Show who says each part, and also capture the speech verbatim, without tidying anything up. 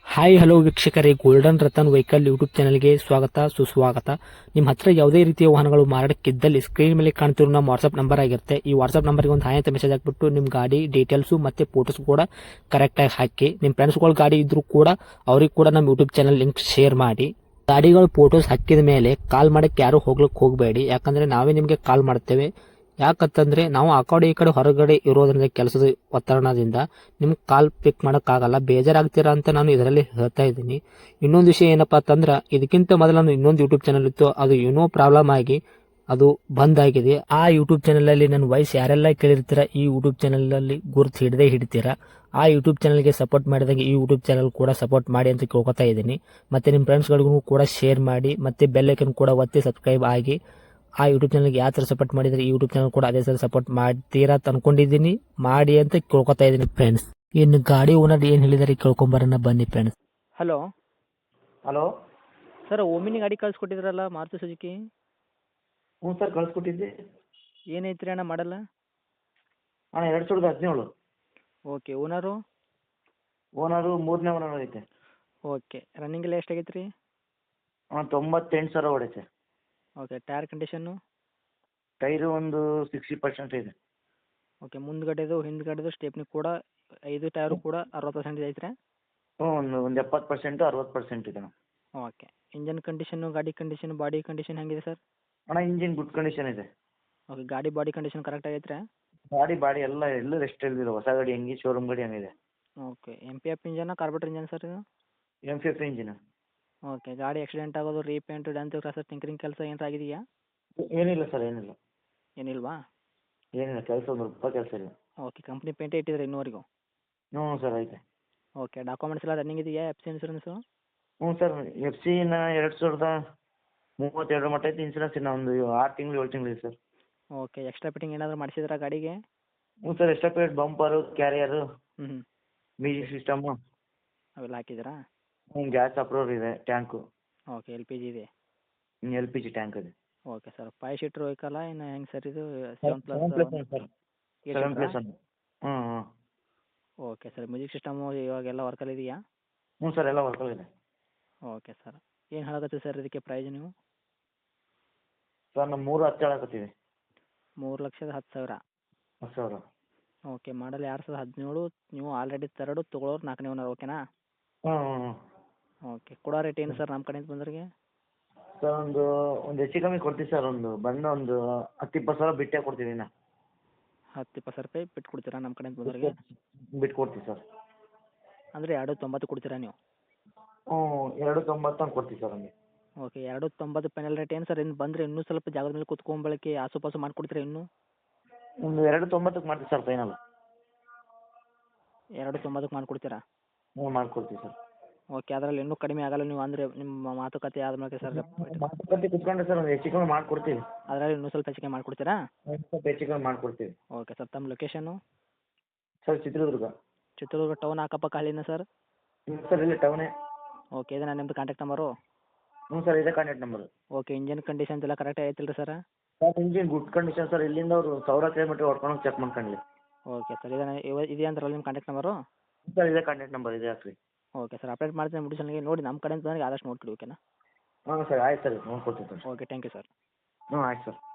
Speaker 1: Hi hello ವೀಕ್ಷಕರೇ, golden Ratan vehicle YouTube ಚಾನಲ್ಗೆ ಸ್ವಾಗತ ಸುಸ್ವಾಗತ. ನಿಮ್ಮ ಹತ್ರ ಯಾವುದೇ ರೀತಿಯ ವಾಹನಗಳು ಮಾರಾಟಕ್ಕಿದ್ದಲ್ಲಿ ಸ್ಕ್ರೀನ್ ಮೇಲೆ ಕಾಣ್ತಿರೋ ನಮ್ಮ ವಾಟ್ಸ್ಆಪ್ ನಂಬರ್ ಆಗಿರುತ್ತೆ. ಈ ವಾಟ್ಸ್ಆಪ್ ನಂಬರ್ಗೆ ಒಂದು ಹಾಯ್ ಅಂತ ಮೆಸೇಜ್ ಹಾಕ್ಬಿಟ್ಟು ನಿಮ್ಮ ಗಾಡಿ ಡೀಟೇಲ್ಸು ಮತ್ತೆ ಫೋಟೋಸ್ ಕೂಡ ಕರೆಕ್ಟಾಗಿ ಹಾಕಿ. ನಿಮ್ಮ ಫ್ರೆಂಡ್ಸ್ಗಳ ಗಾಡಿ ಇದ್ರೂ ಕೂಡ ಅವ್ರಿಗೆ ಕೂಡ ನಮ್ಮ ಯೂಟ್ಯೂಬ್ ಚಾನಲ್ ಲಿಂಕ್ ಶೇರ್ ಮಾಡಿ. ಗಾಡಿಗಳು ಫೋಟೋಸ್ ಹಾಕಿದ ಮೇಲೆ ಕಾಲ್ ಮಾಡಕ್ಕೆ ಯಾರು ಹೋಗ್ಲಿಕ್ಕೆ ಹೋಗಬೇಡಿ, ಯಾಕಂದ್ರೆ ನಾವೇ ನಿಮಗೆ ಕಾಲ್ ಮಾಡ್ತೇವೆ. ಯಾಕಂತಂದ್ರೆ ನಾವು ಆ ಕಡೆ ಈ ಕಡೆ ಹೊರಗಡೆ ಇರೋದ್ರಿಂದ ಕೆಲಸದ ಒತ್ತಡದಿಂದ ನಿಮ್ಗೆ ಕಾಲ್ ಪಿಕ್ ಮಾಡೋಕ್ಕಾಗಲ್ಲ, ಬೇಜಾರಾಗ್ತೀರಾ ಅಂತ ನಾನು ಇದರಲ್ಲಿ ಹೇಳ್ತಾ ಇದ್ದೀನಿ. ಇನ್ನೊಂದು ವಿಷಯ ಏನಪ್ಪಾ ಅಂತಂದ್ರೆ, ಇದಕ್ಕಿಂತ ಮೊದಲು ನಾನು ಇನ್ನೊಂದು ಯೂಟ್ಯೂಬ್ ಚಾನಲ್ ಇತ್ತು, ಅದು ಏನೋ ಪ್ರಾಬ್ಲಮ್ ಆಗಿ ಅದು ಬಂದ್ ಆಗಿದೆ. ಆ ಯೂಟ್ಯೂಬ್ ಚಾನಲ್ ಅಲ್ಲಿ ನನ್ನ ವಾಯ್ಸ್ ಯಾರೆಲ್ಲ ಕೇಳಿರ್ತೀರಾ, ಈ ಯೂಟ್ಯೂಬ್ ಚಾನಲ್ ಅಲ್ಲಿ ಗುರುತು ಹಿಡದೆ ಹಿಡಿತೀರಾ. ಆ ಯೂಟ್ಯೂಬ್ ಚಾನಲ್ಗೆ ಸಪೋರ್ಟ್ ಮಾಡಿದಾಗ ಈ ಯೂಟ್ಯೂಬ್ ಚಾನಲ್ ಕೂಡ ಸಪೋರ್ಟ್ ಮಾಡಿ ಅಂತ ಕೇಳ್ಕೊತಾ ಇದ್ದೀನಿ. ಮತ್ತೆ ನಿಮ್ಮ ಫ್ರೆಂಡ್ಸ್ಗಳಿಗೂ ಕೂಡ ಶೇರ್ ಮಾಡಿ, ಮತ್ತೆ ಬೆಲ್ ಐಕನ್ ಕೂಡ ಒತ್ತಿ ಸಬ್ಸ್ಕ್ರೈಬ್ ಆಗಿ. ಆ ಯೂಟ್ಯೂಬ್ ಚಾನಲ್ಗೆ ಯಾವ ಥರ ಸಪೋರ್ಟ್ ಮಾಡಿದ್ರೆ ಈ ಯೂಟ್ಯೂಬ್ ಚಾನಲ್ ಕೂಡ ಅದೇ ಥರ ಸಪೋರ್ಟ್ ಮಾಡ್ತೀರಾ ಅಂತ ಅನ್ಕೊಂಡಿದ್ದೀನಿ. ಮಾಡಿ ಅಂತ ಕೇಳ್ಕೊತಾ ಇದ್ದೀನಿ ಫ್ರೆಂಡ್ಸ್. ಇನ್ನು ಗಾಡಿ ಓನರ್ ಏನು ಹೇಳಿದಾರೆ ಕೇಳ್ಕೊಂಬರೋಣ ಬನ್ನಿ friends. Hello
Speaker 2: hello
Speaker 1: sir, omni ಗಾಡಿ ಕಳ್ಸಿಕೊಟ್ಟಿದ್ರಲ್ಲ ಮಾರುತಿ ಸುಜುಕಿ,
Speaker 2: ಹ್ಞೂ ಸರ್ ಕಳಿಸ್ಕೊಟ್ಟಿದ್ದೆ.
Speaker 1: ಏನೈತ್ರಿ ಅಣ್ಣ ಮಾಡಲ್ಲ?
Speaker 2: ಅಣ್ಣ ಎರಡು ಸಾವಿರದ ಹದಿನೇಳು.
Speaker 1: ಓಕೆ. ಓನರು?
Speaker 2: ಓನರು ಮೂರನೇ ಓನರ್ ಐತೆ.
Speaker 1: ಓಕೆ. ರನ್ನಿಂಗ್ ಎಲ್ಲ ಎಷ್ಟಾಗೈತೆ ರೀ?
Speaker 2: ಅಣ್ಣ ತೊಂಬತ್ತೆಂಟು ಸಾವಿರ ಹೊಡೈತೆ.
Speaker 1: ಓಕೆ. Tyre condition?
Speaker 2: ಟೈರು ಒಂದು ಸಿಕ್ಸ್ಟಿ ಪರ್ಸೆಂಟ್ ಇದೆ.
Speaker 1: ಓಕೆ. ಮುಂದ್ಗಡೆದು ಹಿಂದ್ಗಡೆದು ಸ್ಟೆಪ್ನಿ ಕೂಡ ಐದು ಟೈರು ಕೂಡ ಅರವತ್ತು ಪರ್ಸೆಂಟ್ ಐತ್ರಿ?
Speaker 2: ಹ್ಞೂ ಒಂದು ಒಂದು ಎಪ್ಪತ್ತು ಪರ್ಸೆಂಟು ಅರವತ್ತು ಪರ್ಸೆಂಟ್ ಇದೆ ಅಣ್ಣ.
Speaker 1: ಓಕೆ. ಇಂಜನ್ ಕಂಡೀಷನ್ನು, ಗಾಡಿ ಕಂಡೀಷನ್, ಬಾಡಿ ಕಂಡೀಷನ್ ಹೆಂಗಿದೆ ಸರ್?
Speaker 2: ಅಣ್ಣ ಇಂಜಿನ್ ಗುಡ್ ಕಂಡೀಷನ್ ಇದೆ.
Speaker 1: ಓಕೆ. ಗಾಡಿ ಬಾಡಿ ಕಂಡೀಷನ್ ಕರೆಕ್ಟ್ ಆಗೈತ್ರಿ?
Speaker 2: ಗಾಡಿ ಬಾಡಿ ಎಲ್ಲ ಎಲ್ಲೂ ರೆಸ್ಟ್ ಇಲ್ದಿಲ್ಲ, ಹೊಸ ಗಾಡಿ ಹೆಂಗೆ ಶೋರೂಮ್ ಗಾಡಿ ಹಂಗಿದೆ.
Speaker 1: Okay. M P F engine carburettor engine sir ಇದು?
Speaker 2: M fifty engine.
Speaker 1: ಓಕೆ. ಗಾಡಿ ಆಕ್ಸಿಡೆಂಟ್ ಆಗೋದು, ರೀಪೇಂಟ್, ಡೆಂತ್, ಕ್ರಾಸರ್, ಟಿಂಕರಿಂಗ್ ಕೆಲಸ ಏನಾರ ಆಗಿದೆಯಾ?
Speaker 2: ಏನಿಲ್ಲ ಸರ್, ಏನಿಲ್ಲ
Speaker 1: ಏನಿಲ್ವಾ?
Speaker 2: ಏನಿಲ್ಲ, ಕೆಲಸ ಒಂದು ರೂಪಾಯಿ ಕೆಲಸ ಇಲ್ಲ.
Speaker 1: ಓಕೆ. ಕಂಪ್ನಿ ಪೇಂಟೇ ಇಟ್ಟಿದ್ರೆ ಇನ್ನೂವರೆಗೂ?
Speaker 2: ಹ್ಞೂ ಸರ್ ಐತೆ.
Speaker 1: ಓಕೆ. ಡಾಕ್ಯುಮೆಂಟ್ಸ್ ಎಲ್ಲ ರನ್ನಿಂಗ್ ಇದೆಯಾ? F C insurance?
Speaker 2: ಹ್ಞೂ ಸರ್, ಎಫ್ ಸಿನ ಎರಡು ಸಾವಿರದ ಮೂವತ್ತೆರಡು ಮಟ್ಟ ಐತೆ. ಇನ್ಸೂರೆನ್ಸ್ ಇನ್ನು ಒಂದು ಆರು ತಿಂಗಳು ಏಳು ತಿಂಗಳು ಇದೆ ಸರ್.
Speaker 1: ಓಕೆ. ಎಕ್ಸ್ಟ್ರಾ ಫಿಟ್ಟಿಂಗ್ ಏನಾದರೂ ಮಾಡಿಸಿದ್ರಾ ಗಾಡಿಗೆ?
Speaker 2: ಹ್ಞೂ ಸರ್, ಎಕ್ಸ್ಟ್ರಾ ಪೇಡ್ ಬಂಪರು, ಕ್ಯಾರಿಯರು,
Speaker 1: ಹ್ಞೂ ಹ್ಞೂ
Speaker 2: ಮ್ಯೂಸಿಕ್ ಸಿಸ್ಟಮು,
Speaker 1: ಅವೆಲ್ಲ ಹಾಕಿದ್ದೀರಾ?
Speaker 2: ಹ್ಞೂ ಗ್ಯಾಸ್ ಅಪ್ರೂವರ್ ಇದೆ, tank,
Speaker 1: okay. L P G ಇದೆ?
Speaker 2: ಎಲ್ ಪಿ ಜಿ ಟ್ಯಾಂಕ್ ಇದೆ.
Speaker 1: Okay sir. ಫೈವ್ ಸೀಟ್ರ್ ವೆಹಿಕಲ್ಲ ಇನ್ನು ಹೆಂಗೆ ಸರ್ ಇದು? Seven plus
Speaker 2: seven plus one sir. Seven plus one. ಹ್ಞೂ ಹ್ಞೂ
Speaker 1: ಓಕೆ ಸರ್. ಮ್ಯೂಸಿಕ್ ಸಿಸ್ಟಮು ಇವಾಗೆಲ್ಲ ವರ್ಕಲ್ಲಿ ಇದೆಯಾ?
Speaker 2: ಹ್ಞೂ ಸರ್, ಎಲ್ಲ ವರ್ಕಲ್ ಇದೆ.
Speaker 1: Okay sir. ಏನು ಹೇಳಕತ್ತೀವಿ ಸರ್ ಇದಕ್ಕೆ ಪ್ರೈಸ್ ನೀವು?
Speaker 2: ಸರ್ ನಮ್ಮ ಮೂರು ಹತ್ತು ಹೇಳಕತ್ತೀವಿ.
Speaker 1: ಮೂರು ಲಕ್ಷದ ಹತ್ತು ಸಾವಿರ?
Speaker 2: ಹತ್ತು ಸಾವಿರ.
Speaker 1: ಓಕೆ. ಮಾಡಲ್ ಎರಡು ಸಾವಿರದ ಹದಿನೇಳು, ನೀವು ಆಲ್ರೆಡಿ ತರ್ಡು, ತೊಗೊಳೋರು ನಾಲ್ಕನೇ ಓನರ್, ಓಕೆನಾ?
Speaker 2: ಹ್ಞೂ ಹ್ಞೂ ಹ್ಞೂ
Speaker 1: ಓಕೆ. ಕೊಡೋ ರೇಟ್ ಏನು ಸರ್ ನಮ್ಮ ಕಡೆಯಿಂದ ಬಂದವ್ರಿಗೆ?
Speaker 2: ಸರ್ ಒಂದು ಒಂದು ಹೆಚ್ಚು ಕಮ್ಮಿ ಕೊಡ್ತೀವಿ ಸರ್. ಒಂದು ಬಂದು ಒಂದು ಹತ್ತು ಇಪ್ಪತ್ತು ಸಾವಿರ ಬಿಟ್ಟೇ ಕೊಡ್ತೀವಿ. ಇನ್ನು
Speaker 1: ಹತ್ತು ಇಪ್ಪತ್ತು ಸಾವಿರ ರೂಪಾಯಿ ಬಿಟ್ಟು ಕೊಡ್ತೀರಾ ನಮ್ಮ ಕಡೆಯಿಂದ ಬಂದವ್ರಿಗೆ?
Speaker 2: ಬಿಟ್ಟು ಕೊಡ್ತೀವಿ ಸರ್.
Speaker 1: ಅಂದರೆ ಎರಡು ತೊಂಬತ್ತು ಕೊಡ್ತೀರಾ ನೀವು?
Speaker 2: ಹ್ಞೂ ಎರಡು ತೊಂಬತ್ತು ಹಂಗೆ ಕೊಡ್ತೀವಿ ಸರ್ ಹಂಗೆ.
Speaker 1: ಓಕೆ. ಎರಡು ತೊಂಬತ್ತು ಫೈನಲ್ ರೇಟ್ ಏನು ಸರ್? ಇನ್ನು ಬಂದರೆ ಇನ್ನೂ ಸ್ವಲ್ಪ ಜಾಗದ ಮೇಲೆ ಕುತ್ಕೊಂಬಳಕ್ಕೆ ಆಸುಪಾಸು ಮಾಡಿಕೊಡ್ತೀರಾ ಇನ್ನೂ?
Speaker 2: ಒಂದು ಎರಡು ತೊಂಬತ್ತಕ್ಕೆ ಮಾಡ್ತೀವಿ ಸರ್ ಫೈನಲ್.
Speaker 1: ಎರಡು ತೊಂಬತ್ತಕ್ಕೆ ಮಾಡಿಕೊಡ್ತೀರಾ?
Speaker 2: ಹ್ಞೂ ಮಾಡ್ಕೊಡ್ತೀವಿ ಸರ್.
Speaker 1: ಓಕೆ. ಅದರಲ್ಲಿ ಇನ್ನೂ ಕಡಿಮೆ ಆಗಲ್ಲ ನೀವು ಅಂದರೆ ನಿಮ್ಮ ಮಾತುಕತೆ ಆದಮೇಲೆ ಸರ್?
Speaker 2: ಮಾತುಕತೆ ಕುತ್ಕೊಂಡ್ರೆ ಸರ್ ಒಂದು ಹೆಚ್ಚು ಕಮ್ಮಿ ಮಾಡಿಕೊಡ್ತೀವಿ.
Speaker 1: ಅದರಲ್ಲಿ ಇನ್ನೂ ಸ್ವಲ್ಪ ಹೆಚ್ಚಿಗೆ ಮಾಡಿಕೊಡ್ತೀರಾ?
Speaker 2: ಒಂದು ಸ್ವಲ್ಪ ಹೆಚ್ಚು ಕಮ್ಮಿ ಮಾಡಿಕೊಡ್ತೀವಿ.
Speaker 1: Okay sir. ತಮ್ಮ location?
Speaker 2: Sir Chitradurga.
Speaker 1: Chitradurga town ಅಕ್ಕಪಕ್ಕ ಹಳ್ಳಿನ ಸರ್?
Speaker 2: ಹ್ಞೂ ಸರ್, ಇಲ್ಲೇ ಟೌನೇ.
Speaker 1: ಓಕೆ. ಇದನ್ನ ನಿಮ್ಮದು ಕಾಂಟ್ಯಾಕ್ಟ್ ನಂಬರು?
Speaker 2: ಹ್ಞೂ ಸರ್, ಇದೇ contact number.
Speaker 1: Okay. Engine conditions ಎಲ್ಲ ಕರೆಕ್ಟ್ ಐತಿಲ್ಲ sir?
Speaker 2: Sir engine good condition sir. ಇಲ್ಲಿಂದ ಅವರು ಸಾವಿರ ಕಿಲೋಮೀಟ್ರ್ ಹೊಡ್ಕೊಂಡು ಚೆಕ್ ಮಾಡ್ಕೊಳ್ಳಿ.
Speaker 1: Okay sir. ಇದನ್ನ ಇವ ಇದೆಯಾ ಅಂತಾರಲ್ಲ ನಿಮ್ಮ ಕಾಂಟ್ಯಾಕ್ಟ್ ನಂಬರು?
Speaker 2: ಸರ್ ಇದೇ ಕಾಂಟ್ಯಾಕ್ಟ್ ನಂಬರ್ ಇದೆ, ಹಾಕ್ರಿ.
Speaker 1: Okay sir. ಅಪ್ಡೇಟ್ ಮಾಡ್ತೀನಿ ಮುಡಿಸಲ್ಗೆ ನೋಡಿ, ನಮ್ಮ ಕಡೆಯಿಂದ ಬಂದರೆ ಆದಷ್ಟು ನೋಡ್ಕೊಡಿ, ಓಕೆನಾ?
Speaker 2: ಹಾಂ ಸರ್, ಆಯ್ತು ಸರ್, ನೋಡ್ಕೊಡ್ತೀವಿ sir.
Speaker 1: Okay. Thank you sir.
Speaker 2: ಹ್ಞೂ ಆಯ್ತು ಸರ್.